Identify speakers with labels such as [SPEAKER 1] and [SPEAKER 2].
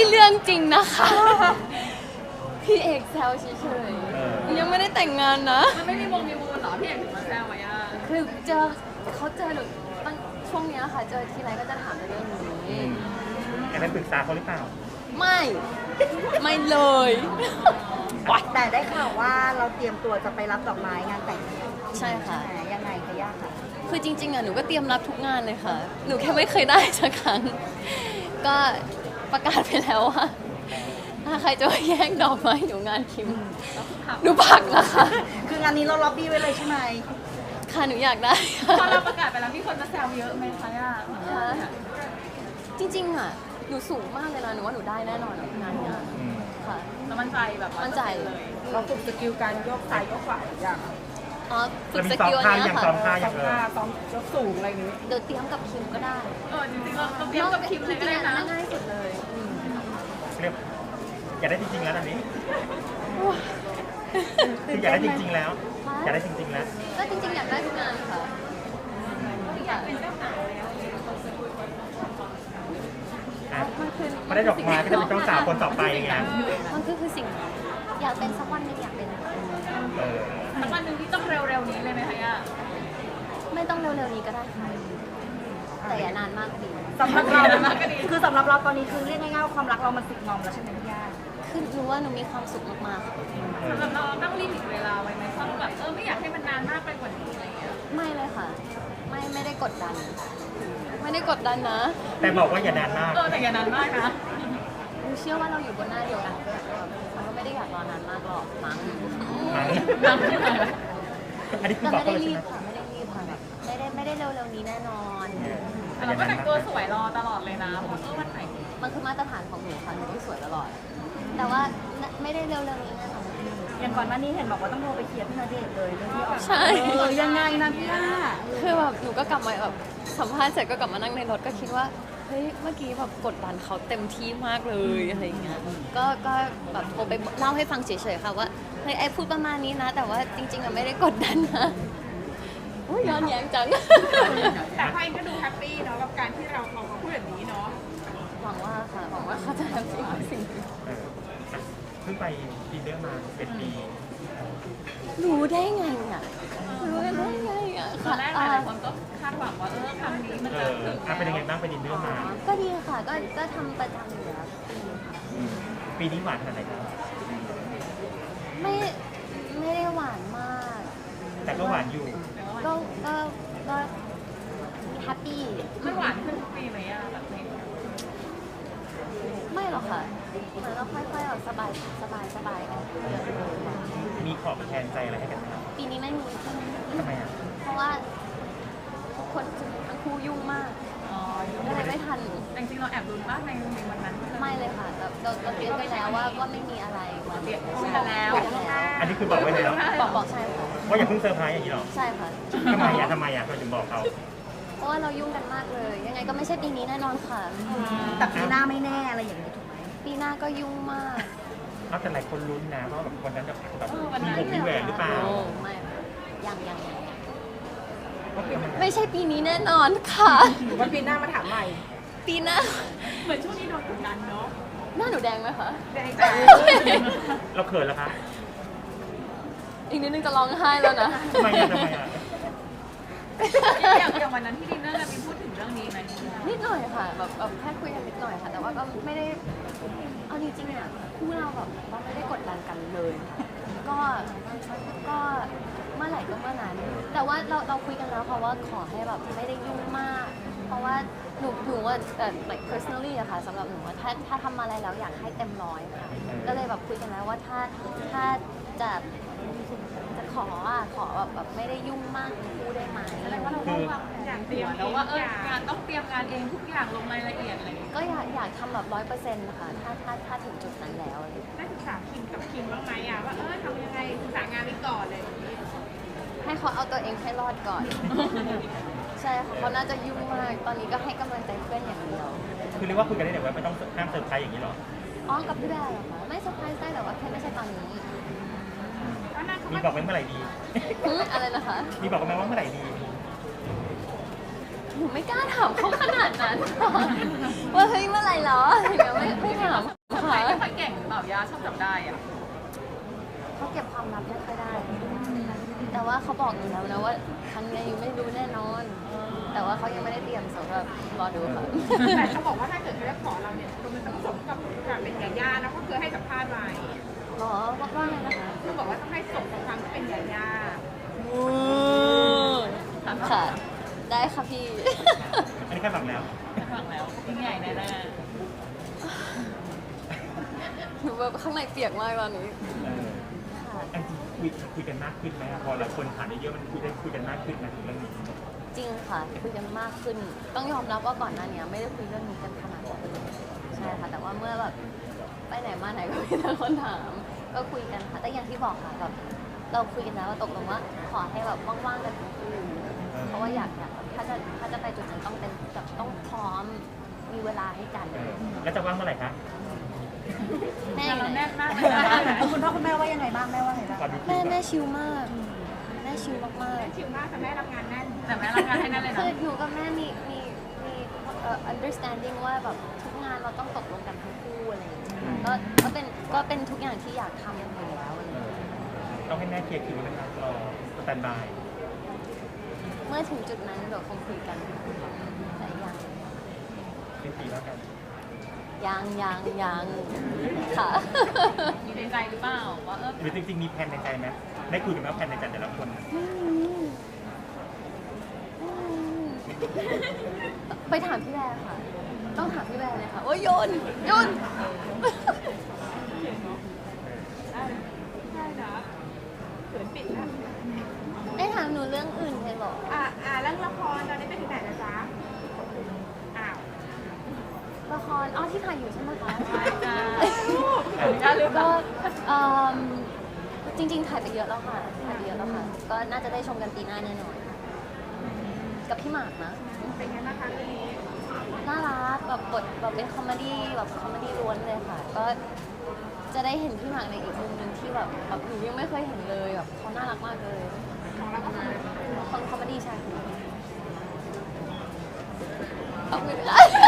[SPEAKER 1] เรื่องจริงนะคะพี่เอกแซวเฉยๆยังไม่ได้แต่งงานนะ
[SPEAKER 2] มันไม่มีมีมูลเหรอพี่เอกถึงมาแซวไว้อะ
[SPEAKER 1] คือเขาเจอหนูตั้งช่วงเนี้ยค่ะเจอทีไรก็จะถามเรื่องนี้
[SPEAKER 3] แอบไปปรึกษาเขาหรือเปล่า
[SPEAKER 1] ไม่เลย
[SPEAKER 4] แต่ได้ข่าวว่าเราเตรียมตัวจะไปรับดอกไม้งานแต่ง
[SPEAKER 1] ใช่ค่ะ
[SPEAKER 4] ยังไงคะย่าค่ะ
[SPEAKER 1] คือจริงๆอ่ะหนูก็เตรียมรับทุกงานเลยค่ะ หนูแค่ไม่เคยได้สักครั้ง ก็ประกาศไปแล้วว่าถ้าใครจะมาแย่งดอกไม้หนูงานคิมหนูผักนะคะ
[SPEAKER 4] คืองานนี้เราล็อบบี้ไว้เลยใช่ไหม
[SPEAKER 1] ค่ะหนูอยากได้
[SPEAKER 2] พอเราประกาศไปแล้วมีคนมาแซวเยอะไหมคะย่า
[SPEAKER 1] จริงๆอ่ะหนูสูงมากเลยนะหนูว่าหนูได้แน่นอนงานเนี้ยค่ะ
[SPEAKER 2] แล้วมั่นใจแบบ
[SPEAKER 1] มั่นใจ
[SPEAKER 4] เราฝึกสกิลการยกซ้ายยกขวาอย่าง
[SPEAKER 1] อ๋อฝึ
[SPEAKER 3] แล้ว
[SPEAKER 1] ก
[SPEAKER 3] มี
[SPEAKER 1] ส
[SPEAKER 3] ซ้อม
[SPEAKER 1] กิล
[SPEAKER 3] ท่า
[SPEAKER 1] เนี้
[SPEAKER 3] ยั
[SPEAKER 1] ย
[SPEAKER 3] ง
[SPEAKER 1] ค่ะ
[SPEAKER 3] ซ้อมท่ายังเลย
[SPEAKER 4] ซ้อมยกสูงอะไรอย่างนี้
[SPEAKER 1] เดี๋ยวเตรียมกับคิมก็ได้
[SPEAKER 2] จริงๆเราเตรียมกับคิมเลยก็ได้นะ
[SPEAKER 1] ง่ายสุดเลย
[SPEAKER 3] เรียกอยากได้จริงๆแล้วตอนนี้คืออยากได้จริงๆแล้ว อยากได้จริงๆแล้ว
[SPEAKER 1] ก็จริงๆอยากได้ทุกงานค่ะอยากเป็นเจ้าสาวแล้ว
[SPEAKER 3] ไม่ได้ดอกไม้ก็จะเป็นเจ้าสาวคนต่อไปไง
[SPEAKER 1] มันคือสิ่งอยากเป็นสักวันหนึงอยากเป็น
[SPEAKER 2] สักวันหนึ่งที่ต้องเร็วๆนี้เลยไหมคะย่า
[SPEAKER 1] ไม่ต้องเร็วๆนี้ก็ได้ค่ะแต่อย่านานมากดี
[SPEAKER 4] สำหรับเราคือสำหรับเราตอนนี้คือเรียกง่ายๆว่าความรักเรามันสุดงอมแล้วใช่ไหมพี่ย่า
[SPEAKER 1] คือรู้ว่าหนูมีความสุขมากๆค่ะ
[SPEAKER 2] สำหรับเราตั้งลิมิตเวลาไว้ไหมเพราะแบบไม่อยากให้มันนานมากไปกว่านี้อะไรอย่างเงี้ย
[SPEAKER 1] ไม่เลยค่ะ ไม่ได้กดดัน ไม่ได้กดดันนะ
[SPEAKER 3] แต่บอกว่าอย่านานมาก
[SPEAKER 2] แต่อย่านานมากนะ
[SPEAKER 1] หนูเชื่อว่าเราอยู่บนหน้าเดียวกันมันก็ไม่ได้อยากรอนานมากหรอกมั้ง
[SPEAKER 3] อันนี้คือ
[SPEAKER 1] แต่
[SPEAKER 3] บอก
[SPEAKER 1] ไม่
[SPEAKER 3] เขา
[SPEAKER 1] ได้
[SPEAKER 3] เลย
[SPEAKER 1] รี
[SPEAKER 3] ใช่
[SPEAKER 1] บ
[SPEAKER 3] ไหม
[SPEAKER 1] ค่ะไม่ได้รีบค่ะแบบไม่ได้เร็วๆนี้แน่นอน
[SPEAKER 2] แต่เราก็แต่งตัวสวยรอตลอดเลยนะเพราะวันไหน
[SPEAKER 1] มันคือมาตรฐานของหนูค่ะหนูต้องสวยตลอด แต่ว่าไม่ได้เร็วๆนี้แน่นอน
[SPEAKER 4] อย่างก่อนหน้านี้เห็นบอกว่าต้องโทรไปเคลียร์พี่ณเดชน์เลยเรื่องที่ออก
[SPEAKER 1] ใช่
[SPEAKER 4] ยังไงนะพี่ย่า
[SPEAKER 1] คือแบบหนูก็กลับมาแบบสัมภาษณ์เสร็จก็กลับมานั่งในรถก็คิดว่าเฮ้ยเมื่อกี้แบบกดดันเขาเต็มที่มากเลยอะไรอย่างเงี้ยก็แบบโทรไปเล่าให้ฟังเฉยๆค่ะว่าเฮ้ยไอพูดประมาณนี้นะ แต่ว่าจริงๆอะไม่ได้กดดันนะอุ๊ยย้อนแย้งจัง
[SPEAKER 2] แต่พ่อเองก็ดูแฮปปี้เนาะกับการที่เราพูดแบบนี้เนาะ
[SPEAKER 1] หวังว่าค่ะหวังว่าเขาจะแฮปปี้กับสิ่งนี้
[SPEAKER 3] เพิ่งไปปีเดอร์มาเป็นปี
[SPEAKER 1] รู้ได้ไงอ่ะรู้ได้ไงอ่ะ
[SPEAKER 2] ตอนแรกหลายคนก็คาดหวังว่าครั้งนี้มันจะถึง
[SPEAKER 3] เป็นยังไงบ้างไปดินเดอร์มา
[SPEAKER 1] ก็ดีค่ะก็ทำประจำอยู่แล้ว
[SPEAKER 3] ปีนี้หวานขนาดไหนครับ
[SPEAKER 1] ไม่ได้หวานมาก
[SPEAKER 3] แต่ก็หวานอยู่
[SPEAKER 1] ก็แฮปปี้
[SPEAKER 2] ไม่หวานขึ้นทุกปีไหมอะแบบนี้
[SPEAKER 1] ไม่หรอกค่ะเหมือนเราค่อยๆเอาสบายออกเยอะเลย
[SPEAKER 3] มีขอบแทนใจอะไรให้กันไหมครับ
[SPEAKER 1] ปีนี้ไม่มี
[SPEAKER 3] ทำไมอ่ะ
[SPEAKER 1] เพราะว่าทุกคนทั้งคู่ยุ่งมากก็เลยไม่ทัน
[SPEAKER 2] จริงๆเราแอบรุนมากในวันนั้น
[SPEAKER 1] ไม่เลยค่ะเราเตรียมไปแล้วว่าไม่มีอะไร
[SPEAKER 2] เตรียมคุยกันแล้ว
[SPEAKER 3] อันนี้คือบอกไว้แล้ว
[SPEAKER 1] บอกใช่ค่ะ
[SPEAKER 3] ว่าอย่าเพิ่งเซอร์ไพรส์อย่างนี้หรอ
[SPEAKER 1] ใช่ค่ะ
[SPEAKER 3] ทำไมอ่ะเราถึงบอกเขา
[SPEAKER 1] เพราะว่าเรายุ่งกันมากเลย ยังไงก็ไม่ใช่ปีนี้แน่นอนค่ะ
[SPEAKER 4] แต่ปีหน้าไม่แน่อะไรอย่างนี้ถูกไหม
[SPEAKER 1] ปีหน้าก็ยุ่งมาก
[SPEAKER 3] เอาแต่หลายคนลุ้นนะว่าแบบคนนั้นจะแบบมีผมมีแหวนหรือเปล่า
[SPEAKER 1] โอ้ไม่ยัง
[SPEAKER 3] ก็คือมัน
[SPEAKER 1] ไม่ใช่ปีนี้แน่นอนค่ะ
[SPEAKER 4] วันปีหน้ามาถามใหม่
[SPEAKER 1] ปีหน้า
[SPEAKER 2] เหมือนช่วงนี้โดนกดดันเนาะ
[SPEAKER 1] หน้าหนูแดงไหมคะ
[SPEAKER 2] แดงจ้ะ
[SPEAKER 3] เราเขินแล้วคะ
[SPEAKER 1] อีกนิดนึงจะร้องไห้แล้วนะ
[SPEAKER 3] ทำไมอ่ะ
[SPEAKER 2] อย่างวันนั้นที่ดินเนอร์กันมีพูดถึงเรื่องนี้ไหม
[SPEAKER 1] นิดหน่อยค่ะแบบแค่คุยกันนิดหน่อยค่ะ แต่ว่าก็ไม่ได้เอาจริงๆอ่ะคู่เราแบบเราไม่ได้กดดันกันเลยค่ะก็เมื่อไหร่ก็เมื่อนั้น แต่ว่าเราคุยกันแล้วค่ะว่าขอให้แบบไม่ได้ยุ่งมาก เพราะว่าหนูว่าlike personally อะค่ะสำหรับหนูว่าถ้าทำอะไรแล้วอยากให้เต็มร้อยค่ะก็เลยแบบคุยกันแล้วว่าถ้าจะขอแบบไม่ได้ยุ่งมากทั้งคู่ได้ไหม
[SPEAKER 2] แสดงว่าเราต้องวางแผนอย่างเดียวแล้วว่างานต้องเตรียมงานเองทุกอย่างลงรายละเอียดอะไรอย่างเงี้ย
[SPEAKER 1] ก็อยากทำแบบ100%นะคะถ้าถึงจุดนั้นแล้วอะไรอย่างเงี้ย
[SPEAKER 2] ได้ศึกษาคิมกับคิมบ้างไหมอะว่าทำยังไงศึกษางานนี้ก่อนเลย
[SPEAKER 1] ให้เขาเอาตัวเองให้รอดก่อน ใช่ค่ะเขาน่าจะยุ่งมาก ตอนนี้ก็ให้กำลังใจเพื่อนอย่างเดียว
[SPEAKER 3] คือเรียกว่าคุยกันได้แต่ว่าไม่ต้องห้ามเซอร์ไพรส์อย่างนี้หรอ
[SPEAKER 1] อ๋อกับพี่แบร์เหรอคะไม่เซอร์ไพรส์ได้แต่ว่าแค่ไม่ใช่ตอนนี้
[SPEAKER 3] มีบอกไว้เมื่อไหร่ดี
[SPEAKER 1] อะไรนะคะ
[SPEAKER 3] มีบอกไหมว่าเมื่อไหร่ดี
[SPEAKER 1] หนูไม่กล้าถามเขาขนาดนั้น ว่าเฮ้ยเมื่อไหร่เหรออย่างเงี้ยไม่ถาม
[SPEAKER 2] าชอบจับได้อะ
[SPEAKER 1] เขาเก็บความลับไม่ค่อยได้ แต่ว่าเขาบอกอยู่แล้วนะว่าครั้งนี้ไม่รู้แน่นอน แต่ว่าเขายังไม่ได้เตรียมสำหรับรอดูค่ะ
[SPEAKER 2] แต่เขาบอกว่าถ้าเกิดเขาจะขอเราเนี่ยมันต้องสมกับการเป็นยาย่านะเขาเคยให้สัมภาษณ์ไว้
[SPEAKER 1] หรอว่าไงนะคะ
[SPEAKER 2] คือบอกว่าต้องให้สมกับความที่เป็นยาย่า
[SPEAKER 1] ค่ะ ได้ค่ะพี่
[SPEAKER 3] อันนี้แค่ฟังแล้ว
[SPEAKER 2] ฟังแล้วยิ่งใหญ่แน่
[SPEAKER 1] หนูแบบข้างในเปียกมากตอนนี้ ค่ะ
[SPEAKER 3] อันจริงคุยกันมากขึ้นไหมพอหลายคนผ่านเยอะๆมันคุยกันมากขึ้นนะเรื่องนี้
[SPEAKER 1] จริงค่ะคุยกันมากขึ้น ต้องยอมรับว่าก่อนหน้านี้ไม่ได้คุยเรื่องนี้กันขนาดนั้นใช่ค่ะ แต่ว่าเมื่อแบบไปไหนมาไหนก็มีแต่คนถาม ก็คุยกันค่ะ แต่อย่างที่บอกค่ะแบบเราคุยกันแล้วว่าตกลงว่าขอให้แบบว่างๆกันทั้งคู่เพราะว่าอยากแบบถ้าจะไปจุดนั้นต้องเป็นแบบต้องพร้อมมีเวลาให้กัน
[SPEAKER 3] แล้วจะว่างเมื่อไหร่คะ
[SPEAKER 1] แม่
[SPEAKER 2] ๆ
[SPEAKER 1] อยู่
[SPEAKER 2] เรา
[SPEAKER 1] ไหน
[SPEAKER 2] แน่นมากเลยนะ
[SPEAKER 4] คุณพ่อคุณแม่ว่ายังไงบ้างแม่ว่าไงบ้าง
[SPEAKER 3] ตอนนี้
[SPEAKER 1] แม่ชิลมากแม่ชิลมาก
[SPEAKER 2] ชิวมากแต่แม่รับงานแน่นแต่แม่รับงานให้แน่นเลย
[SPEAKER 1] ๆ
[SPEAKER 2] นะ
[SPEAKER 1] คือหนูกับแม่มีunderstanding ว่าแบบทุกงานเราต้องตกลงกันทั้งคู่อะไรอย่างเงี้ยค่ะก็เป็นทุกอย่างที่อยากทำอยู่แล้วอะไรอย่างเงี้ย
[SPEAKER 3] ต้องให้แม่เคลียร์คิวนะครับรอสแตนบาย
[SPEAKER 1] เมื่อถึงจุดนั้นเดี๋ยวคงคุยกันแต่ยัง
[SPEAKER 3] สิ้นปีแล้วกัน
[SPEAKER 1] ยังค่ะ
[SPEAKER 2] มีในใจหรือเปล่าว่า
[SPEAKER 3] หรือจริงๆมีแผนในใจไหมได้คุยกันไหมว่าแผนในใจแต่ละคน
[SPEAKER 1] ไปถามพี่แบร์ค่ะ ต้องถามพี่แบร์เลยค่ะโอ้ยโยน
[SPEAKER 2] ได้นะเขินปิดแล้ว
[SPEAKER 1] ได้ถามหนูเรื่องอื่นเลยเหรอ
[SPEAKER 2] เรื่องละครตอนนี้ไปถึงไหนแล้วจ๊ะอ้าว
[SPEAKER 1] ละครอ๋อที่ถ่ายอยู่ใช่ไหมคะ
[SPEAKER 2] จ้าลืม
[SPEAKER 1] ก็เอิ่มจริงๆถ่ายไปเยอะแล้วค่ะก็น่าจะได้ชมกันปีหน้าแน่นอนกับพี่หมากนะ
[SPEAKER 2] เป็นไงบ้างคะเรื่องนี้
[SPEAKER 1] น่ารักแบบบทแบบเป็นคอมเมดี้ล้วนเลยค่ะ ก็จะได้เห็นพี่หมากในอีกมุมหนึ่งที่แบบหนูยังไม่เคยเห็นเลยแบบเขาน่ารักมากเลย
[SPEAKER 2] ของเราก็คือ
[SPEAKER 1] คอมเมดี้ใช่เอาไม่ได้